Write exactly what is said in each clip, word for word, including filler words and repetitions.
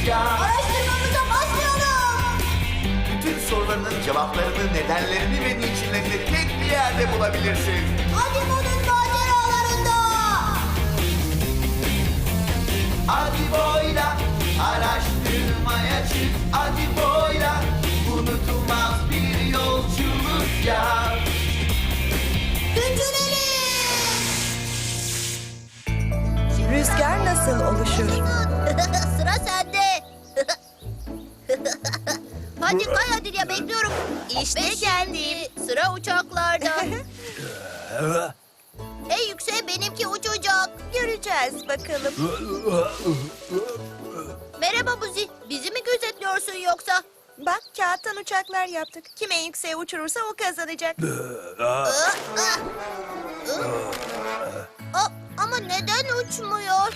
rüzgar. Araştırmamıza başlayalım. Bütün sorularının cevaplarını, nedenlerini ve niçinlerini tek bir yerde bulabilirsin. Adibo'nun maceralarında. Adibo'yla araştırmaya çık. Adibo'yla unutulmaz bir yolculuk yap. Güncelelim. Rüzgar nasıl oluşur? Sıra sende. Hadi kay hadi ya, bekliyorum. İşte geldim. Sıra uçaklarda. En yükseğe benimki uçacak. Göreceğiz bakalım. Merhaba Buzi. Bizi mi gözetliyorsun yoksa? Bak kağıttan uçaklar yaptık. Kim en yükseğe uçurursa o kazanacak. Aa, aa. Aa, ama neden uçmuyor?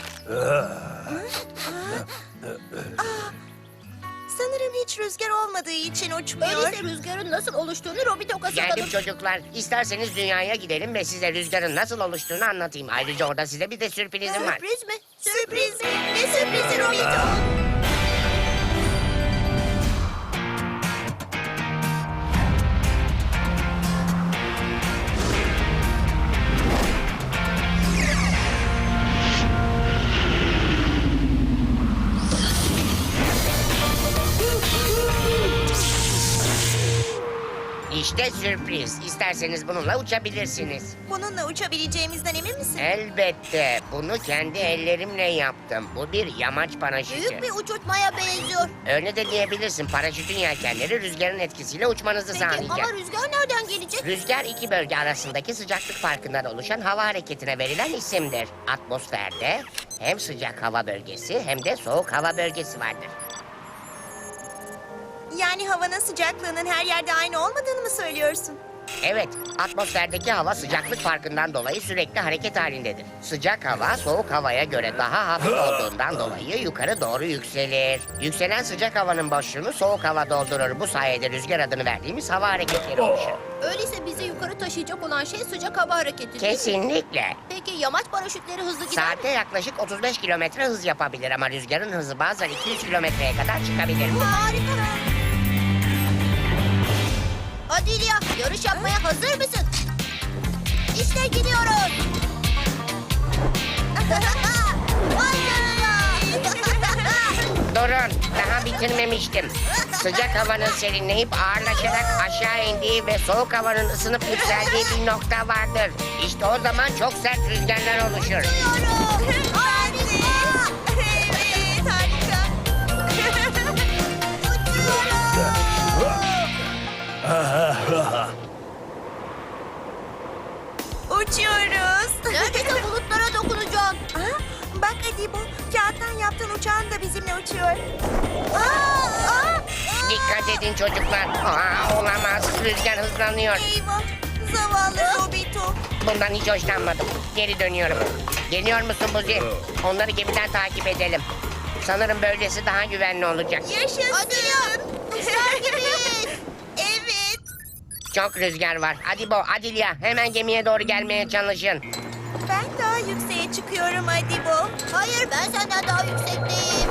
Sanırım hiç rüzgar olmadığı için uçmuyor. Öyleyse rüzgarın nasıl oluştuğunu Robito Geldim kasıtladım. çocuklar. İsterseniz dünyaya gidelim ve size rüzgarın nasıl oluştuğunu anlatayım. Ayrıca orada size bir de sürprizim var. Sürpriz mi? Sürpriz mi? Ne sürprizi Robito? İşte sürpriz. İsterseniz bununla uçabilirsiniz. Bununla uçabileceğimizden emin misin? Elbette. Bunu kendi ellerimle yaptım. Bu bir yamaç paraşütü. Büyük bir uçurtmaya benziyor. Öyle de diyebilirsin. Paraşütün yelkenleri rüzgarın etkisiyle uçmanızı Peki sağlayacak. ama rüzgar nereden gelecek? Rüzgar iki bölge arasındaki sıcaklık farkından oluşan hava hareketine verilen isimdir. Atmosferde hem sıcak hava bölgesi hem de soğuk hava bölgesi vardır. Yani havanın sıcaklığının her yerde aynı olmadığını mı söylüyorsun? Evet, atmosferdeki hava sıcaklık farkından dolayı sürekli hareket halindedir. Sıcak hava soğuk havaya göre daha hafif olduğundan dolayı yukarı doğru yükselir. Yükselen sıcak havanın boşluğunu soğuk hava doldurur. Bu sayede rüzgar adını verdiğimiz hava hareketleri oluşur. Öyleyse bizi yukarı taşıyacak olan şey sıcak hava hareketi değil mi? Kesinlikle. Peki yamaç paraşütleri hızlı gider mi? Saatte yaklaşık otuz beş kilometre hız yapabilir ama rüzgarın hızı bazen iki yüz kilometreye kadar çıkabilir. Harika. Hadi İlya, yarış yapmaya hazır mısın? İşte gidiyoruz. Vay canına. Durun, daha bitirmemiştim. Sıcak havanın serinleyip ağırlaşarak aşağı indiği ve soğuk havanın ısınıp yükseldiği bir nokta vardır. İşte o zaman çok sert rüzgarlar oluşur. Gidiyoruz. Harika. Evet, harika. Uçuyoruz. Neredeyse bulutlara dokunacaksın. Aa, bak Adibo, kağıttan yaptığın uçağın da bizimle uçuyor. Aa, aa. Dikkat edin çocuklar. Aa, olamaz, rüzgar hızlanıyor. Eyvah, zavallı Robito. Bundan hiç hoşlanmadım. Geri dönüyorum. Geliyor musun Buzi? Onları gemiden takip edelim. Sanırım böylesi daha güvenli olacak. Yaşasın. Hadi ya. Kuşlar gibiyiz. Evet. Çok rüzgar var. Hadi Bo, Adilya hemen gemiye doğru gelmeye çalışın. Ben daha yükseğe çıkıyorum Adibo. Hayır, ben senden daha yüksekteyim.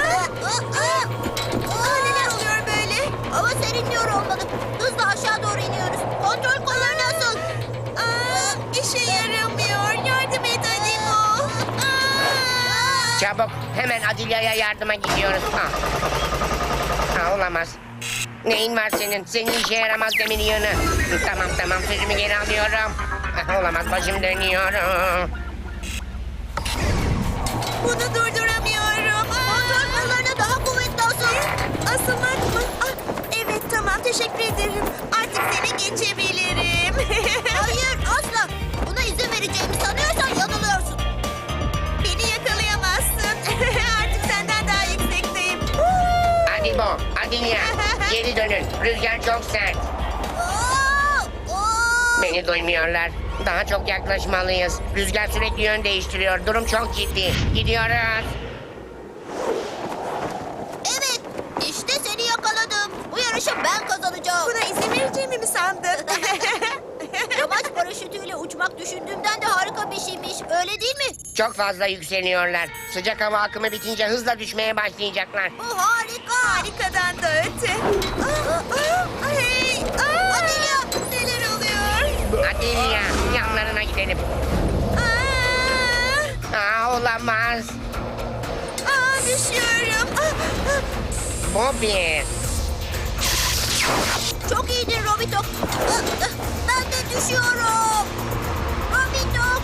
Aa, neler oluyor böyle? Hava serinliyor olmalı. Hızla aşağı doğru iniyoruz. Kontrol kolları nasıl? Aa, işe yaramıyor. Yardım et Adibo. Aa! Çabuk hemen Adilya'ya yardıma gidiyoruz. Ha. Ha, olamaz. Neyin var senin? Senin işe yaramaz demir yığını. Tamam tamam sözümü geri alıyorum. Ha, olamaz başım dönüyor. Bunu durduramıyorum. Kontrol kollarına daha kuvvetli asıl. Asılmak mı? Ah, evet tamam teşekkür ederim. Artık seni geçebilirim. Hayır, asla. Buna izin vereceğimi sanıyorsan yanılıyorsun. Beni yakalayamazsın. Artık senden daha yüksekteyim. Hadi Bo, Adilya geri dönün. Rüzgar çok sert. Aa, aa. Beni duymuyorlar. Daha çok yaklaşmalıyız. Rüzgar sürekli yön değiştiriyor. Durum çok ciddi. Gidiyoruz. Evet, işte seni yakaladım. Bu yarışı ben kazanacağım. Buna izin vereceğimi mi sandın? Yamaç paraşütüyle uçmak düşündüğümden de harika bir şeymiş. Öyle değil mi? Çok fazla yükseliyorlar. Sıcak hava akımı bitince hızla düşmeye başlayacaklar. Bu harika. Harikadan da öte. Aa, aa, hey, aa, Adelia. neler oluyor? Adelia, yanlarına gidelim. Aa, Aa, olamaz. aa, düşüyorum. Aa, aa. Bobby. Çok iyiydin Robitok. Ah, ah, Ben de düşüyorum. Robitok.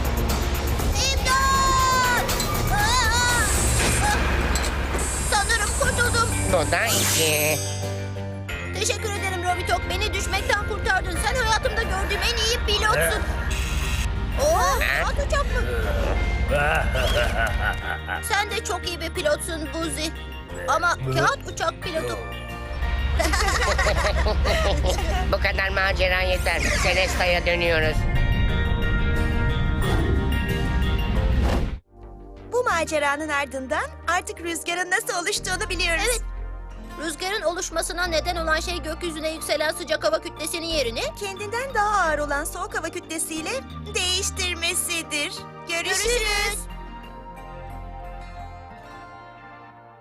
İmdat. Ah, ah. Sanırım kurtuldum. Bu da iki. Teşekkür ederim Robitok. Beni düşmekten kurtardın. Sen hayatımda gördüğüm en iyi pilotsun. Oo, kağıt uçak mı? Sen de çok iyi bir pilotsun Buzi. Ama kağıt uçak pilotu. Bu kadar macera yeter. Celesta'ya dönüyoruz. Bu maceranın ardından artık rüzgarın nasıl oluştuğunu biliyoruz. Evet. Rüzgarın oluşmasına neden olan şey gökyüzüne yükselen sıcak hava kütlesinin yerini Kendinden daha ağır olan soğuk hava kütlesiyle değiştirmesidir. Görüşürüz. Görüşürüz.